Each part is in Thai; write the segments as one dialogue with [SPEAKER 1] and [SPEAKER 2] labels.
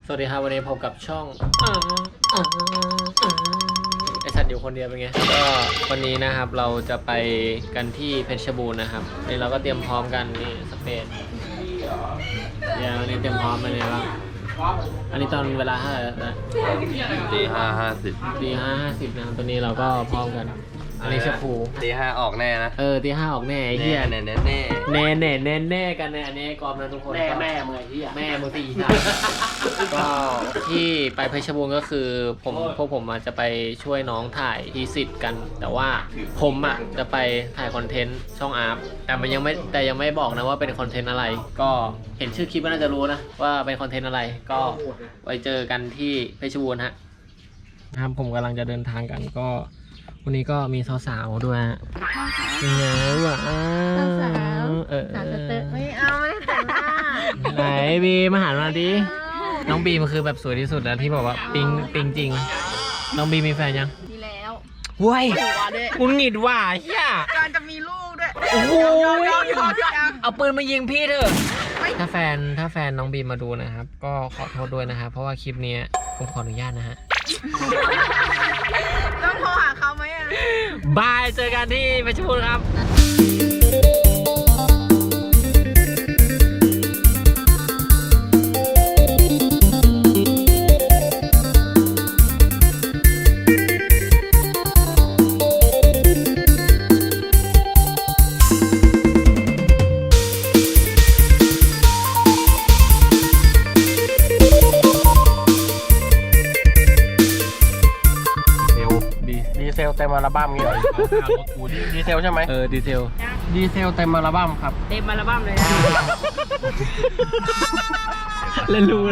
[SPEAKER 1] สวัสดีครับวันนี้พบกับช่องไอสัตว์อยู่คนเดียวเป็นไงก็วันนี้นะครับเราจะไปกันที่เพชรบูรณ์นะครับนี่เราก็เตรียมพร้อมกันนี่สเปนเดี๋ยววันนี้เตรียมพร้อมมาเลยบ้างอันนี้ตอนเวลาเท่าไหร่นะ
[SPEAKER 2] ตี5:50
[SPEAKER 1] ตี5:50นะครับตอนนี้เราก็พร้อมกันอันนี้เชฟภู
[SPEAKER 2] ตี 5ออกแน่นะ
[SPEAKER 1] ตี 5ออกแน่ไอ้เหี้ย
[SPEAKER 2] แน่กัน
[SPEAKER 1] เนี่ยอันนี้กอมนะทุกคน
[SPEAKER 3] แม่มึงไอ้เหี้ย
[SPEAKER 1] แม่มึงสี่ชาก็ที่ไปเพชรบูรณ์ก็คือพวกผมจะไปช่วยน้องถ่ายทีสิทธ์กันแต่ว่าผมจะไปถ่ายคอนเทนต์ช่องอาร์ฟแต่ยังไม่บอกนะว่าเป็นคอนเทนต์อะไรก็เห็นชื่อคลิปก็น่าจะรู้นะว่าเป็นคอนเทนต์อะไรก็ไปเจอกันที่เพชรบูรณ์นะครับผมกำลังจะเดินทางกันก็วันนี้ก็มีสาวๆด้วยยังไงวะ
[SPEAKER 4] สาวไม่เอาไม่แต่งหน้า
[SPEAKER 1] ไหนบีมาหามาดิน้องบีมันคือแบบสวยที่สุดแล้วที่บอกว่าปิงจริงน้องบีมีแฟนยัง
[SPEAKER 4] มีแล้ว
[SPEAKER 1] ว้ยกูหงิดว่ะเฮีย
[SPEAKER 4] การจะมีลูกด้วย
[SPEAKER 1] โอ้โหเอาปืนมายิงพี่เถอะถ้าแฟนน้องบีมาดูนะครับก็ขอโทษด้วยนะครับเพราะว่าคลิปนี้ผมขออนุญาตนะฮะ
[SPEAKER 4] ต้องโทรหาเขาไหมอ่ะ
[SPEAKER 1] บายเจอกันที่เพชรบูรณ์ครับ
[SPEAKER 3] ดีเซลเต็มอัลบั้มงี้เหรอดีเซลใช่ไหม
[SPEAKER 1] ดีเซล
[SPEAKER 3] เต็มอัลบั้มครับ
[SPEAKER 4] เต็มอัลบั้มเลยนะ
[SPEAKER 1] เล่นรู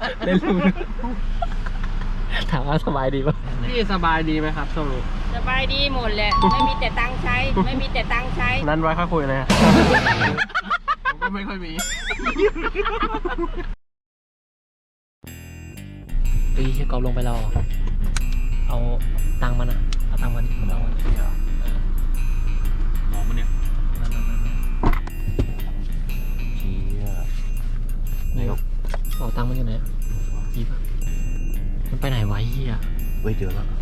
[SPEAKER 1] ถามว่าสบายดีป่ะ
[SPEAKER 3] พี่สบายดีไหมครับช่วงนี้
[SPEAKER 4] สบายดีหมดแหละไม่มีแต่ตังค์ใช้
[SPEAKER 3] นั้นไว้ค่อยคุยเลยผมก็ไม่ค่อยมี
[SPEAKER 1] ให้กอบลงไปเราเอาตังค์มันเอาตังค์มันมองมันเนี่ยเชี่ยไหนเอาตังค์มันอยู่ไหนอีป่ะมันไปไหนวะเฮีย
[SPEAKER 2] เว้ยเจอแล้ว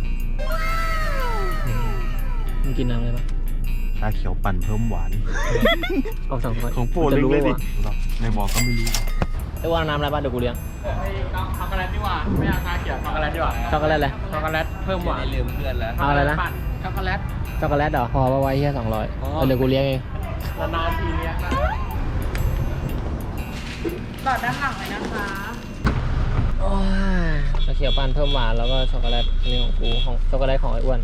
[SPEAKER 1] มึงกินน้ำอะไรปะ
[SPEAKER 2] ชาเขียวปั่นเพิ่มหวาน
[SPEAKER 1] เอา2 ขวด
[SPEAKER 2] ของโปรดเลยดิในบอกก็ไม่รู้
[SPEAKER 1] ไอ้ว่าน้ำอะไรบ้างเดี๋ยวกูเลี้ยง
[SPEAKER 3] ช็อกโกแลตดีกว่าไม่เอาชาเขียวช็อกโกแลตดีกว่า
[SPEAKER 1] ช็อกโกแลตอะไร
[SPEAKER 3] ช็อกโกแลตเพิ่มหวาน
[SPEAKER 2] ลืมเพื่อนแล้ว
[SPEAKER 1] เอาอะไรนะ
[SPEAKER 3] ช็อกโกแลต
[SPEAKER 1] เหรอพอไว้แค่200เดี๋ยวกูเลี้ยงเอง
[SPEAKER 3] นานๆทีเลี้ยงนะ
[SPEAKER 4] ต่อด้านหลังเลยนะคะ
[SPEAKER 1] ชาเขียวปั่นเพิ่มหวานแล้วก็ช็อกโกแลตอันนี้ของกูของช็อกโกแลตของไอ้อ้วน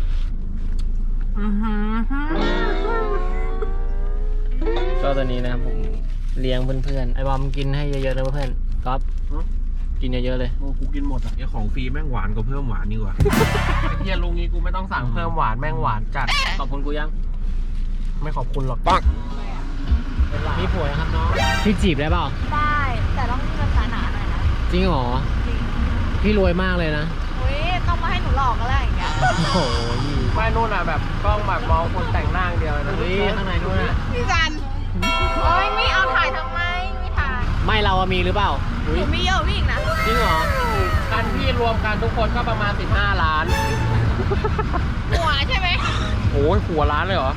[SPEAKER 1] ก็ตอนนี้นะครับผมเลี้ยงเพื่อนๆไอ้บอมกินให้เยอะๆนะเพื่อนก๊อฟกินเยอะๆเลย
[SPEAKER 3] กูกินหมดอ่ะ
[SPEAKER 2] ของฟรีแม่งหวานกว่าเพิ่มหวานนี่กว่า
[SPEAKER 3] ไอ้เฮียลุงนี้กูไม่ต้องสั่งเพิ่มหวานแม่งหวานจัด
[SPEAKER 1] ขอบคุณกูยัง
[SPEAKER 3] ไม่ขอบคุณหรอก
[SPEAKER 2] ปัง
[SPEAKER 1] มีผัวนะครับน้องพี่จีบได้เปล่า
[SPEAKER 4] ได้แต่ต้องมีภาษาหนาหน่อยนะ
[SPEAKER 1] จริงเหรอ
[SPEAKER 4] จริง
[SPEAKER 1] พี่รวยมากเลยนะ
[SPEAKER 4] อุ้ยต้องมาให้หนูหลอกกันแล้วอย่างเงี้ย
[SPEAKER 1] โอ้โห
[SPEAKER 3] ไม่นู่นอ่ะแบบกล้องแบบมองคนแต่งหน้าเดียวนะ
[SPEAKER 1] ข้างในนู่นอ่ะ
[SPEAKER 4] พี่จันโอ้ยไม่เอาถ่ายทำไมไม่ถ่าย
[SPEAKER 1] ไม่เรามีหรือเปล่า
[SPEAKER 4] หนูมีเยอะพี่อีกนะ
[SPEAKER 1] จริงเหรอ
[SPEAKER 3] กันพี่รวมกันทุกคนก็ประมาณ15 ล้าน
[SPEAKER 4] หัวใช่ไหม
[SPEAKER 3] โอ้ยหัวล้านเลยเหรอ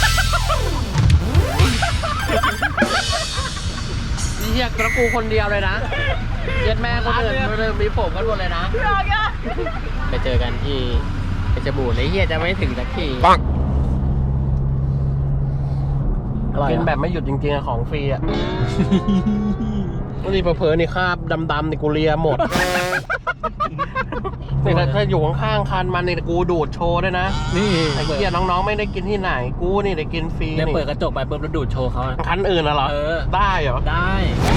[SPEAKER 3] นี่เฮียกระกูคนเดียวเลยนะเย็ดแม่คนอื่นมีผมกันหมดเลยนะ
[SPEAKER 1] ไปเจอกันที่เพชรบูรณ์ไอ้เฮียจะไม่ถึงสักที
[SPEAKER 3] กินแบบไม่หยุดจริงๆของฟรีอ่ะนี่เผลอๆนี่คราบดำๆนี่กูเลียหมดนี่ถ้าอยู่ข้างๆคันมันนี่กูดูดโชว์ด้วยนะ
[SPEAKER 1] นี่
[SPEAKER 3] ไอ้เหี้ยน้องๆไม่ได้กินที่ไหนกูนี่ได้กินฟรี
[SPEAKER 1] เนี่ยเปิดกระจกไปปุ๊บแล้วดูดโชว์เขา
[SPEAKER 3] คันอื่นน่ะเหรอได้เหรอ
[SPEAKER 1] ได้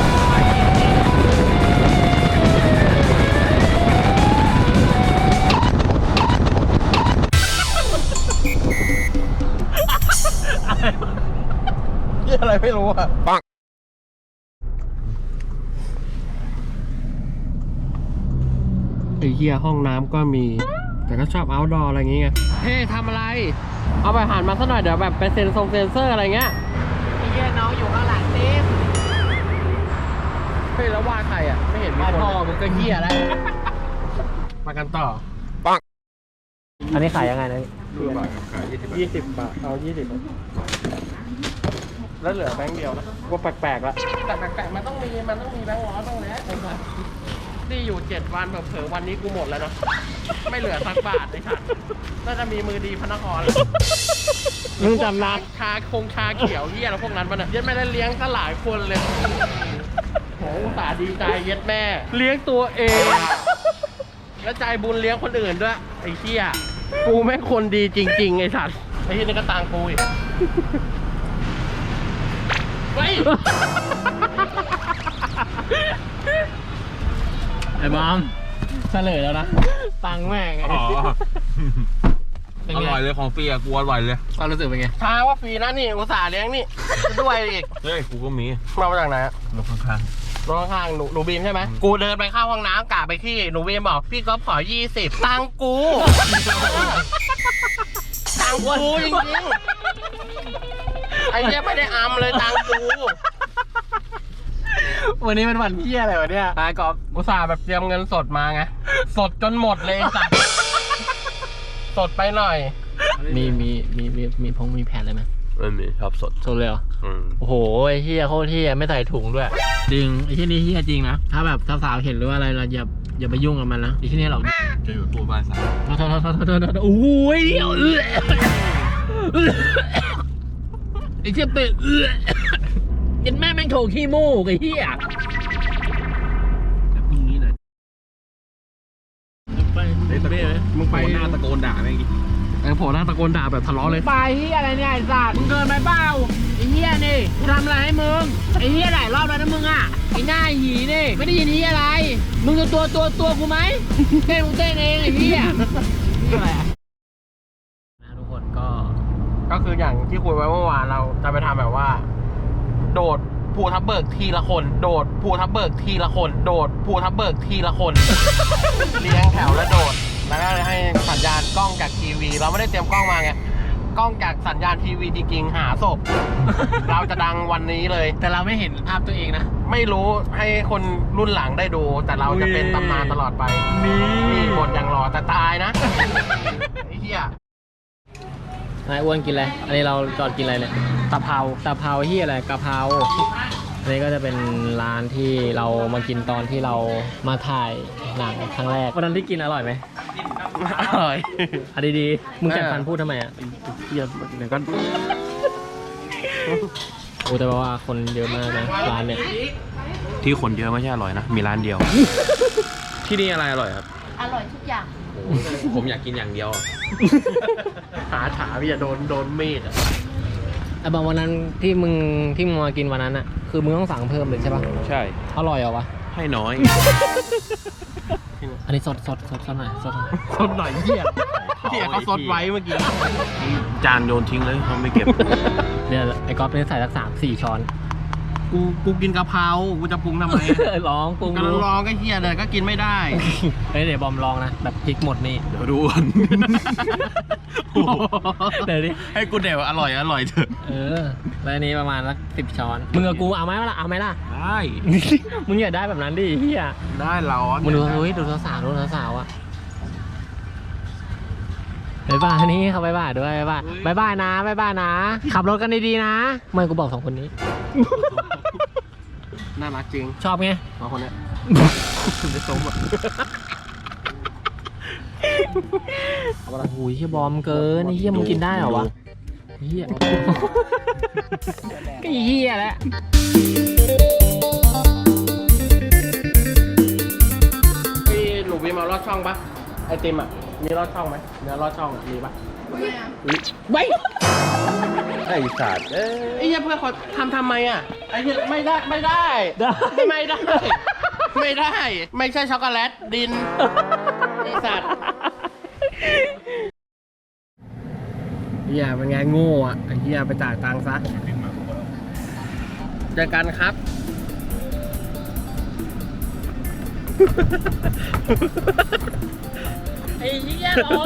[SPEAKER 3] อะไรไม่รู้อ่ะไอ้เหี้ยห้องน้ำก็มีแต่ก็ชอบเอาท์ดอร์อะไรอย่างเงี้ยเฮ้ทำอะไรเอาไปหันมาสักหน่อยเดี๋ยวแบบไปเซ็นเซอร์อะไรเงี้ย
[SPEAKER 1] ไอ้เหี้ยน้องอยู่ข้างหลังเต็ม
[SPEAKER 3] เฮ้ยแล้วว่าใครอ่ะไม่เห็นมี
[SPEAKER 1] ว่า
[SPEAKER 3] คน
[SPEAKER 1] พ่อมึงก็เหี้ยแล้ว
[SPEAKER 3] มากันต่อ
[SPEAKER 1] อันนี้ขายยังไงนะ
[SPEAKER 3] 20 บาทเอา20แล้วเหลือแบงค์เดียวนะว่าแปลกๆละแต่แปลกๆมันต้องมีแบงค์ร้อยบ้างแล้วที่อยู่7 วันเผลอๆวันนี้กูหมดแล้วเนาะไม่เหลือสักบาทไอ้สัตว์น่าจะมีมือดีพระนคร
[SPEAKER 1] มึงจำนับ
[SPEAKER 3] ชาเขียวเหี้ยแล้วพวกนั้นมันอ่ะยัดไม่ได้เลี้ยงก็หลายคนเลยโหอุตส่าห์ดีใจเย็ดแม่ เลี้ยงตัวเอง แล้วใจบุญเลี้ยงคนอื่นด้วยไอ้เหี้ยกูแม่งคนดีจริงๆไอ้สัตว์ไอ้เหี้ยนี่ก็ตังกูอีกเฮ้ย
[SPEAKER 1] ไอ้บอมเฉลยแล้วนะ ตังค์แม่งไง
[SPEAKER 2] อ๋อ
[SPEAKER 1] เป็น
[SPEAKER 2] อ
[SPEAKER 1] ไง
[SPEAKER 2] ร่อยเลยของฟรีอะกูอร่อยเลย
[SPEAKER 1] ความรู้สึกเป็นไง
[SPEAKER 3] ชาว่าฟรีนะนี่อุตส่าห์เลี้ยงนี่ด้วยอีก
[SPEAKER 2] เฮ้ยกูก็มี
[SPEAKER 3] มาจากไหนอะ
[SPEAKER 2] รถข้าง
[SPEAKER 3] รถข้างๆหนูบีมใช่ไหมกูเดินไปเข้าห้องน้ำกะไปขี้หนูบีมบอกพี่ก๊อฟขอ20ตังกู ตังกูจริงๆไอ้เหี้ยไม่ได้อำเลยตังกู
[SPEAKER 1] วันนี้เป็นวันเหี้ยอะไรวะเนี่ยกอบ
[SPEAKER 3] อุตส่าห์แบบเตรียมเงินสดมาไงสดจนหมดเลยไอ้สัตว์สดไปหน่อย
[SPEAKER 1] มีแผนอะไรไหม
[SPEAKER 2] ๆไม่มีชอบสด
[SPEAKER 1] สดเลยเหรอ
[SPEAKER 2] อืม
[SPEAKER 1] โอ้โหไอ้เหี้ยโคตรเหี้ยไม่ใส่ถุงด้วย จริงไอ้ที่นี่เหี้ยจริงนะ ถ้าแบบสาวๆเห็นหรือว่าอะไรเราอย่าไปยุ่งกับมันนะไอ้ที่นี่เรา
[SPEAKER 2] จะอยู่ตัวบ้านสาม
[SPEAKER 1] โอ้ยไอ้เชี่ยเป็ดกินแม่แม่งโถขี้มูกไอ้เหี้ย
[SPEAKER 2] พรุ่งนี้เลย
[SPEAKER 1] ไป
[SPEAKER 2] มึงไปหน้าตะโกนด่าแม่งดิ
[SPEAKER 3] ไอ้โผล่หน้าตะโกนด่าแบบทะเลาะเลย
[SPEAKER 1] ไปเหี้ยอะไรเนี่ยไอ้สัตว์มึงเกินไปเปล่าไอ้เหี้ยนี่กูทำอะไรให้มึงไอ้เหี้ยหลายรอบแล้วนะมึงอ่ะไอ้หน้าหีนี่ไม่ได้ยินเหี้ยอะไรมึงจะตัวกูไหมเต้นมึงเต้นเองไอ้เหี้ยอะไรอ่ะทุกคน
[SPEAKER 3] ก็คืออย่างที่คุยไว้เมื่อวานเราจะไปทำแบบว่า โดดภูทับเบิกทีละคน โดดภูทับเบิกทีละคน โดดภูทับเบิกทีละคน เลี้ยงแถวแล้วโดด แล้วก็ให้สัญญาณกล้องจากทีวี เราไม่ได้เตรียมกล้องมาไงกล้องจากสัญญาณทีวีจริงๆหาศพ เราจะดังวันนี้เลย
[SPEAKER 1] แต่เราไม่เห็นภาพตัวเองนะ
[SPEAKER 3] ไม่รู้ให้คนรุ่นหลังได้ดู แต่เราจะเป็นตำนานตลอดไปนี่บทอย่างหล่อแต่ตายนะไอ้เหี้ย
[SPEAKER 1] นายอ้วนกินอะไร อันนี้เราจอดกินอะไรเนี่ยตะเภาที่อะไรกะเพราอันนี้ก็จะเป็นร้านที่เรามากินตอนที่เรามาถ่ายหนังครั้งแรกวันนั้นที่กินอร่อยไหม
[SPEAKER 3] อร่อย
[SPEAKER 1] อ่ะดีๆมึงจัดฟันพูดทำไมอ่ะ
[SPEAKER 3] เหี้ยเดี๋ยวก็
[SPEAKER 1] โอ้แต่ว่าคนเยอะมากนะร้านเนี่ย
[SPEAKER 2] ที่คนเยอะไม่ใช่อร่อยนะ มีร้านเดียว ที่นี่อะไรอร่อยครับ
[SPEAKER 4] อร่อยทุกอย่าง
[SPEAKER 2] ผมอยากกินอย่างเดียว
[SPEAKER 3] หาถาพี่จะโดนมีดอ่ะ
[SPEAKER 1] ไอ้บางวันนั้นที่มึงมากินวันนั้นอ่ะคือมึงต้องสั่งเพิ่มเลยใช่ปะ
[SPEAKER 2] ใช่
[SPEAKER 1] อร่อยเหรอวะ
[SPEAKER 2] ให้น้อย
[SPEAKER 1] อันนี้สดหน่อยสดหน่อย
[SPEAKER 3] สดหน่อยเหี้ยเหี้ยเขาสดไว้เมื่อกี้
[SPEAKER 2] จานโยนทิ้งเลยเขาไม่เก็บ
[SPEAKER 1] เดี๋ยวไอ้ก๊อฟเนี่ยใส่สัก3-4 ช้อน
[SPEAKER 3] กูกินกะเพรากูจะปรุงทำไม
[SPEAKER 1] ลองปรุง
[SPEAKER 3] กำ
[SPEAKER 1] ดู
[SPEAKER 3] ลังรอก็เหี้ยเลยก็กินไม่ได้
[SPEAKER 1] เฮ้ยเดี๋ยวบอมลองนะแบบพริกหมดนี่
[SPEAKER 2] เดี๋ยวดูก่อน
[SPEAKER 1] เดี๋ยวดิ
[SPEAKER 2] ให้กูเดี๋ยวอร่อยเถอะ
[SPEAKER 1] แล้วอันนี้ประมาณสัก10 ช้อนมึงกับกูเอาไหมล่ะเอาไหมล่ะ
[SPEAKER 2] ได้
[SPEAKER 1] มึงอย่าได้แบบนั้นดิเฮีย
[SPEAKER 2] ได้ร้อน
[SPEAKER 1] มึงดูเฮ้ยดูสาวอ่ะบ๊ายบายนี่เขาบ๊ายบายด้วยบ๊ายบายนะขับรถกันดีๆนะไม่กูบอก2 คนนี้
[SPEAKER 3] น่ารักจริง
[SPEAKER 1] ชอบไง
[SPEAKER 3] สองคนเนี้ยได้สมอ่ะ
[SPEAKER 1] โอ้โหเฮียบอมเกินไอ้เฮียมึงกินได้เหรอวะเฮียก็เฮียแหละ
[SPEAKER 3] พี่หนูบีมาลอดช่องปะไอติมอ่ะมีลอดช่องไหมเนื้อลอดช่องอะมีปะ
[SPEAKER 1] ไว้
[SPEAKER 2] ไอ้สัตว์
[SPEAKER 3] ไอ้เหี้ยเพื่อนเขาทำไมอ่ะไอ้เหี้ยไม่ได้ไม่ใช่ช็อกโกแลตดินไอ้สัตว์เหี้ยเป็นไงโง่อ่ะไอ้เหี้ยไปจ่ายตังค์ซะเจอกันครับ
[SPEAKER 4] ไอ้เหี้ยร้อน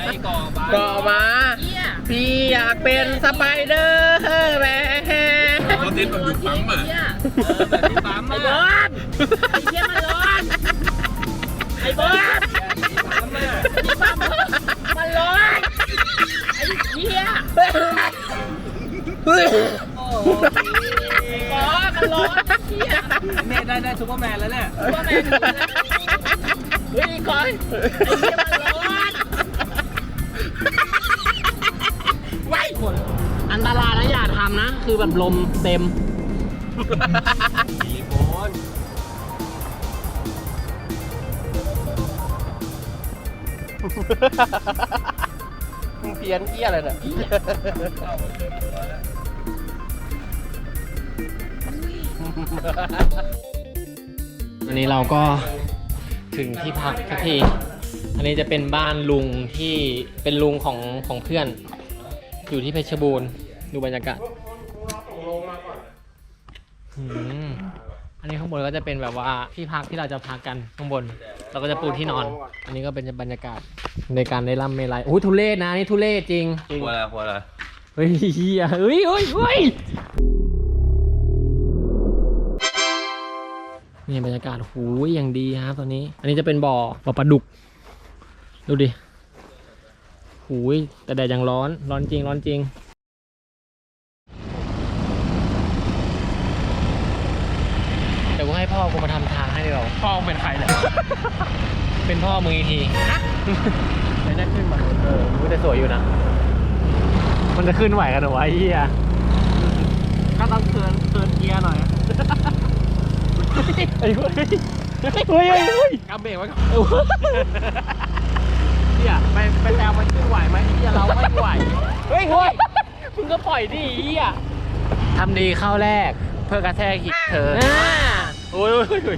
[SPEAKER 3] ก่อมาพี่อยากเป็นสไปเดอร์แมน
[SPEAKER 2] เขาเต้นแบบอยู่ปั๊มอ่ะแบบที่ปั๊มอ่ะ
[SPEAKER 3] ไอ้เหี้ยมันร้อนไอ้เบิร์ดมันร้อนไอ้เหี้ยเฮ้ยโอ้โหมันร้อนไอ้เหี้ยแม่ได้ซุปเปอร์แมนแล้วเนี่ยซุปเปอร์แมนเฮ้ยก่อนไอ้เหี้ยมันร้อนไว้คนอันตรายนะอย่าทำนะ คือแบบลมเต็มมีโคนมึงเพี้ยนเกี้ยอะไรเนี่ย
[SPEAKER 1] อันนี้เราก็ถึงที่พักสักที อันนี้จะเป็นบ้านลุงที่เป็นลุงของเพื่อน อยู่ที่เพชรบูรณ์ดูบรรยากาศอันนี้ข้างบนก็จะเป็นแบบว่าที่พักที่เราจะพักกันข้างบน เราก็จะปูที่นอน อันนี้ก็เป็นบรรยากาศในการได้ร่ำเมลัยโอ้ยทุเรศนะนี่ทุเรศจริง
[SPEAKER 2] หัวอะไร
[SPEAKER 1] เฮ้ยเฮียเฮ้ยนี่บรรยากาศหูยอย่างดีครับตอนนี้ อันนี้จะเป็นบ่อปลาดุกดูดิหูยแต่แดดยังร้อนจริงเดี๋ยวกูให้พ่อกูมาทำทางให้ดีกว่า
[SPEAKER 3] พ่อเป็นใครเนี่ย
[SPEAKER 1] เป็นพ่อมึงอีกทีจะได้ขึ้นมามันก็จะสวยอยู่นะ มันจะขึ้นไหวกันเหรอวะไอ้เหี้ย
[SPEAKER 3] ก็ต้องเตือนเกียร์หน่อย
[SPEAKER 1] ไอ้เฮ้ย
[SPEAKER 3] กำเบรกไว้ก่อนเนี่ยไปแซวมันขึ้นไหวไหมเฮียเราไม่ไหว
[SPEAKER 1] เฮ้ยมึงก็ปล่อยดิไอ้เหี้ยทำดีเข้าแรกเพื่อกระแทกหิเธอโอ้ย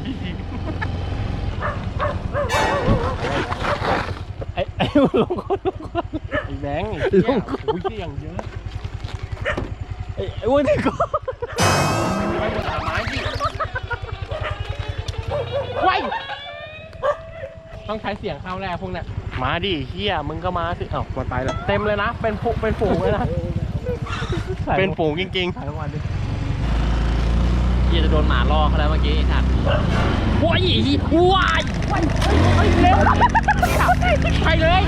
[SPEAKER 1] ไอ้ลงคน
[SPEAKER 3] ไอ้แบงค์ลงคนเสี่ยงเยอะ
[SPEAKER 1] ไอ้อ้วนที่ก็
[SPEAKER 3] ไม่หมดไม้ดิไว้ต้องใช้เสียงเข้าแรกพวกเนี้ยมาดิเฮียมึงก็มาสิเอ้ามันไปแล้วเต็มเลยนะเป็นฝูงเลยนะเป็นฝูงจริง
[SPEAKER 1] ถ่ายทุกวันดิเหี้ยจะโดนหมาล่อเขาแล้วเมื่อกี้ไอ้สัตว์ว้ายเร็วไปเลย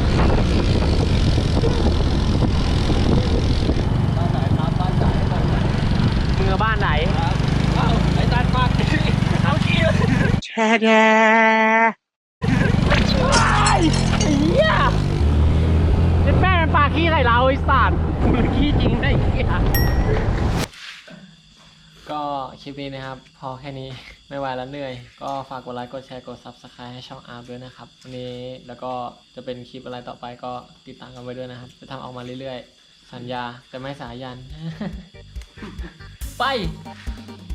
[SPEAKER 1] มึงบ้านไหนไอ้ตันมากเอาขี้แช่ไอ้เหี้ยเป็นแม่มันปากขี้ใส่เราไอ้สัตว์
[SPEAKER 3] ๆมึงขี้จริงได้เฮีย
[SPEAKER 1] ก็คลิปนี้นะครับ พอแค่นี้ไม่ไหวแล้วเหนื่อย ก็ฝากกดไลค์กดแชร์กด Subscribe ให้ช่องอาร์ด้วยนะครับวันนี้แล้วก็จะเป็นคลิปอะไรต่อไปก็ติดตามกันไว้ด้วยนะครับ จะทำออกมาเรื่อยๆ สัญญาจะไม่สายัน ไป